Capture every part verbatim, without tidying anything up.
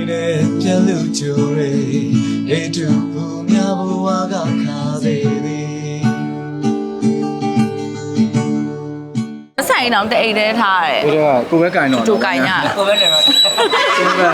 နဲ့ပြန်လို့ကြိုရဲအေးတူဘူးများဘဝကခါသေးသည်ဆိုင်အောင်တအိတ်တည်းထားရတယ်ကိုတော့ကိုပဲကင်တော့တူကင်ညကိုပဲနေမှာကိုပဲ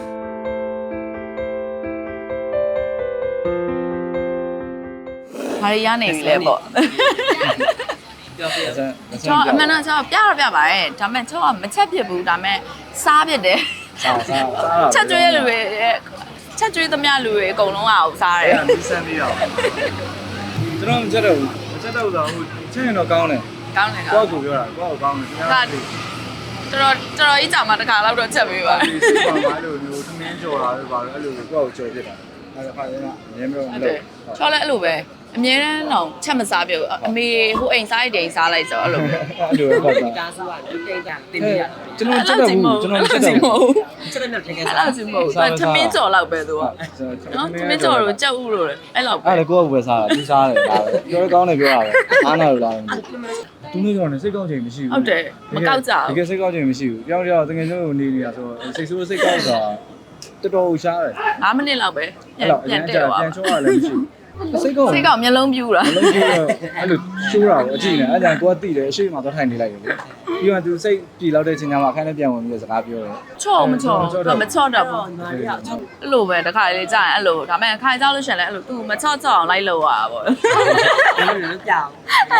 ဘာရနေပြီလဲပေါ့ပြောပြကျွန်တော်အမှန်တော့ကျွန်တော်ပြတော့ပြပါတယ်ဒါပေမဲ့ကျွန်တော်မချက်ဖြစ်ဘူးဒါပေမဲ့စားဖြစ်တယ်စားစားစားချက်ကျွေးလူတွေချက်ကျွေးသမျှလူတွေအကုန်လုံးအောင်စားတယ်အဲ့ဒါနီးစမ်းပြီးတော့ကျွန်တော်မချက်တော့ဘူးမချက်တော့ဆိုဟိုချက်ရင်တော့ကောင်းတယ်ကောင်းတယ်ကိုကောယ့်ကိုပြောတာကိုယ့်ကိုကောင်းတယ်ခင်ဗျားတော်တော်တော်ကြီးကြာမှတစ်ခါလောက်တော့ချက်ပေးပါဒီစိတ်ပါလို့မျိုးသမင်းကြော်တာပဲပါတော့အဲ့လိုကိုယ့်ကိုကြော်ဖြစ်တာအဲ့ဒါခါရင်ကအများမျိုးမဟုတ်တလို့ယ်ချောလဲအဲ့လိုပဲအမြဲတမ်းတော့ချက်မစားပြုတ်အမေဟိုအိမ်စားရတဲ့အိမ်စားလိုက်ဆိုအဲ့လိုပဲအဲ့လိုပဲပါဒီကားစုကတိတ်တာတင်ပြရကျွန်တော်ချက်တော့ဘူးကျွန်တော်ချက်တော့ဘူးချက်တဲ့နဲ့တကယ်အဲ့လိုစီမဟုတ်ဘူးသမင်းကြော်လောက်ပဲသူကနော်သမင်းကြော်လို့ကြောက်ဥလို့လေအဲ့လောက်ပဲအဲ့ဒါကိုယ့်ကိုပဲစားတာသူစားတယ်ဒါပဲပြောရကောင်းတယ်ပြောတာပဲအားနာလို့လားသူမျိုးကြောင့်လည်းစိတ်ကောင်းချိန်မရှိဘူးဟုတ်တယ်မကောက်ကြတဘူးကယ်စိတ်ကောင်းချိန်မရှိဘူးပြောင်းပြောင်းတကယ်ကျိုးနေနေတာဆိုစိတ်ဆိုးစိတ်ကောင်းတာတော်တော်ရှားတယ်၅မိနစ်လောက်ပဲအဲ့တော့အရင်ကြာပြန်ချိုးရလည်းမရှိဘူးစိတ်ကောင်းစိတ်ကောက်မျက်လုံးပြူတာမလုံးကြီးတော့အဲ့လိုရှိုးတာကိုအကြည့်နေအဲ့ဒါကိုကတိတယ်အရှိမသွားထိုင်နေလိုက်တယ်လေပြီးတော့သူစိတ်ပြေလောက်တဲ့ချိန်ကျမှအခန်းထဲပြန်ဝင်ပြီးစကားပြောတယ်ချော့မချော့မချော့တော့ဘူးအဲ့လိုပဲတစ်ခါလေးကြာရင်အဲ့လိုဒါပေမဲ့ခါကြောက်လို့ရှင်လဲအဲ့လို तू မချော့ချော့အောင်လိုက်လို့ရတာပေါ့အဲ့လိုကြောက်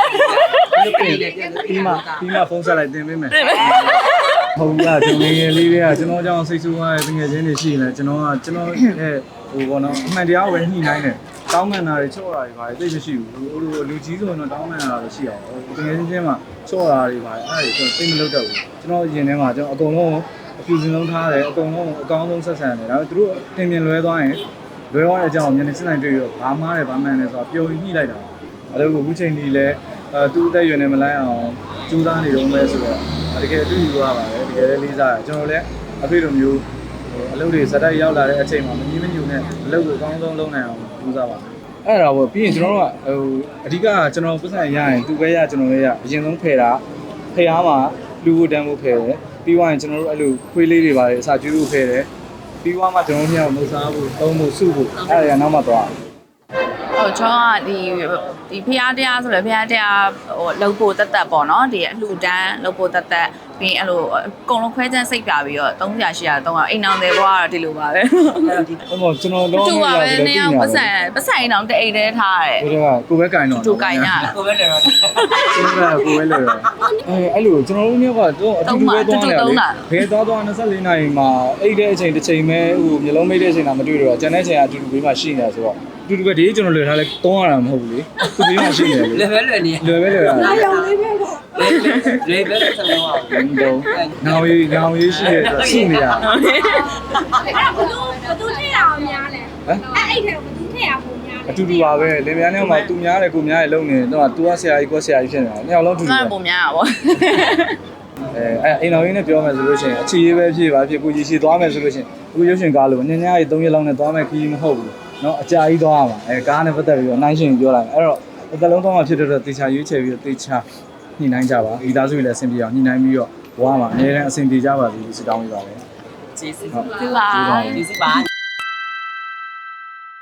ပြီးမှပြီးမှဖုန်းဆက်လိုက်တင်ပေးမယ်ဟုတ်လားကျွန်တော်ငယ်လေးတွေကကျွန်တော်ကြောင့်စိတ်ဆိုးသွားတဲ့ငယ်ချင်းတွေရှိနေကျွန်တော်ကကျွန်တော်ရဲ့ဟိုဘောနော်အမှန်တရားဝယ်ညှိနှိုင်းတယ်တောင်းမှန်တာတွေချော့တာတွေပါတယ်သိမရှိဘူးဟိုလိုလူကြီးဆိုရင်တော့တောင်းမှန်တာတွေရှိအောင်ဟိုငယ်ချင်းချင်းမှာချော့တာတွေပါတယ်အဲ့ဒါတွေကျွန်တော်သိမလုပ်တော့ဘူးကျွန်တော်ရင်ထဲမှာကျွန်တော်အကုန်လုံးအပြူစင်လုံးထားတယ်အကုန်လုံးအကောင်းဆုံးဆက်ဆံတယ်ဒါပေမဲ့သူတို့တင်ပြင်လွဲသွားရင်လွဲသွားတဲ့အကြောင်းကိုမျက်နှာစစ်နိုင်တွေ့ရတော့ဘာမှားတယ်ဘာမှန်တယ်ဆိုတော့ပျော်ညှိလိုက်တာအဲ့လိုအခုချိန်ကြီးလဲအဲသူ့အသက်အရွယ်နဲ့မလိုက်အောင်ကြိုးစားနေတော့မဲဆိုတော့တကယ်အတူယူရပါတယ်တကယ်လည်းလေးစားတယ်ကျွန်တော်လည်းအဖေလိုမျိုးအလုပ်တွေစတိုက်ရောက်လာတဲ့အချိန်မှာမကြီးမညူနဲ့အလုပ်ကိုအကောင်းဆုံးလုပ်နိုင်အောင်ကြိုးစားပါအဲ့ဒါပေါ့ပြီးရင်ကျွန်တော်တို့ကဟိုအဓိကကျွန်တော်ပတ်စံရရင်သူပဲရကျွန်တော်လည်းရအရင်ဆုံးဖယ်တာဖယ်အားမှာလူဖို့တန်းဖို့ဖယ်တယ်ပြီးသွားရင်ကျွန်တော်တို့အဲ့လိုခွေးလေးတွေပါတယ်အစာကျွေးဖို့ဖယ်တယ်ပြီးသွားမှကျွန်တော်တို့မြောက်မုတ်စားဖို့သုံးဖို့စုဖို့အဲ့ဒါကနောက်မှသွားဟိုချောကဒီဒီဖျားတရားဆိုလဲဖျားတရားဟိုလှုပ်ဖို့တက်တက်ပေါ့နော်ဒီအလှူဒန်းလှုပ်ဖို့တက်တက်ပြီးအဲ့လိုအကုန်လုံးခွဲချမ်းစိတ်ပြပြီးတော့သုံးရာရှိရာသုံးရာအိမ်အောင်တယ်ကွာတော့ဒီလိုပါပဲဟိုကျွန်တော်တော့တူပါပဲနေအောင်ပတ်စံပတ်စံအိမ်အောင်တအိတ်တည်းထားရတယ်ကိုတော့ကိုပဲကင်တော့တူကင်ညကိုပဲနေမှာကိုပဲကိုပဲလို့အဲအဲ့လိုကျွန်တော်တို့မျိုးကတော့အတူတူပဲသွားနေတယ်ဘယ်သွားသွား၂၄နာရီမှာအိတ်တဲ့အချိန်တစ်ချိန်ပဲဟိုမျိုးလုံးမိတ်တဲ့အချိန်တာမတွေ့တော့ကျန်တဲ့အချိန်ကအတူတူဘေးမှာရှိနေတာဆိုတော့အတူတူပဲဒီကျွန်တော်လွယ်ထားလဲတောင်းရတာမဟုတ်ဘူးလေသူဘေးမှာရှိနေတယ်လေပဲလွယ်နေလွယ်ပဲလွယ်တာလေပဲဆက်လို့အောင်တော့ငောင်ရီငောင်ရီရှိတယ်ဆိုရှိနေတာအဲ့ဒါဘသူဘသူထည့်ရအောင်များလဲအဲ့အဲ့ထဲဘသူထည့်ရပုံများလဲအတူတူပါပဲလင်မယားနဲ့မှသူများတယ်ကိုများတယ်လုံနေတော့သူကဆရာကြီးကိုဆရာကြီးဖြစ်နေတာနှစ်ယောက်လုံးအတူတူငါပဲပုံများတာပေါ့အဲအဲအိမ်တော်ရင်းနဲ့ပြောမယ်ဆိုလို့ရှိရင်အခြေရေးပဲဖြစ်ပါဖြစ်ကိုကြီးရှိသွားမယ်ဆိုလို့ရှိရင်အခုရုပ်ရှင်ကားလို့ညညကြီး၃ရက်လောက်နဲ့သွားမယ်ခီးမဟုတ်ဘူးเนาะအကြာကြီးသွားရမှာအဲကားနဲ့ပတ်သက်ပြီးတော့နှိုင်းရှင်ပြောလိုက်မယ်အဲ့တော့အသက်လုံးသွားမှာဖြစ်တဲ့တော့တေချာရွေးချယ်ပြီးတော့တေချာညှိနှိုင်းကြပါမိသားစုတွေလည်းအဆင်ပြေအောင်ညှိနှိုင်းပြီးတော့ဘဝမှာအများနဲ့အဆင်ပြေကြပါစေလို့ဆုတောင်းပေးပါမယ်ကျေးဇူးဟုတ်ဒီပါကျေးဇူးပါ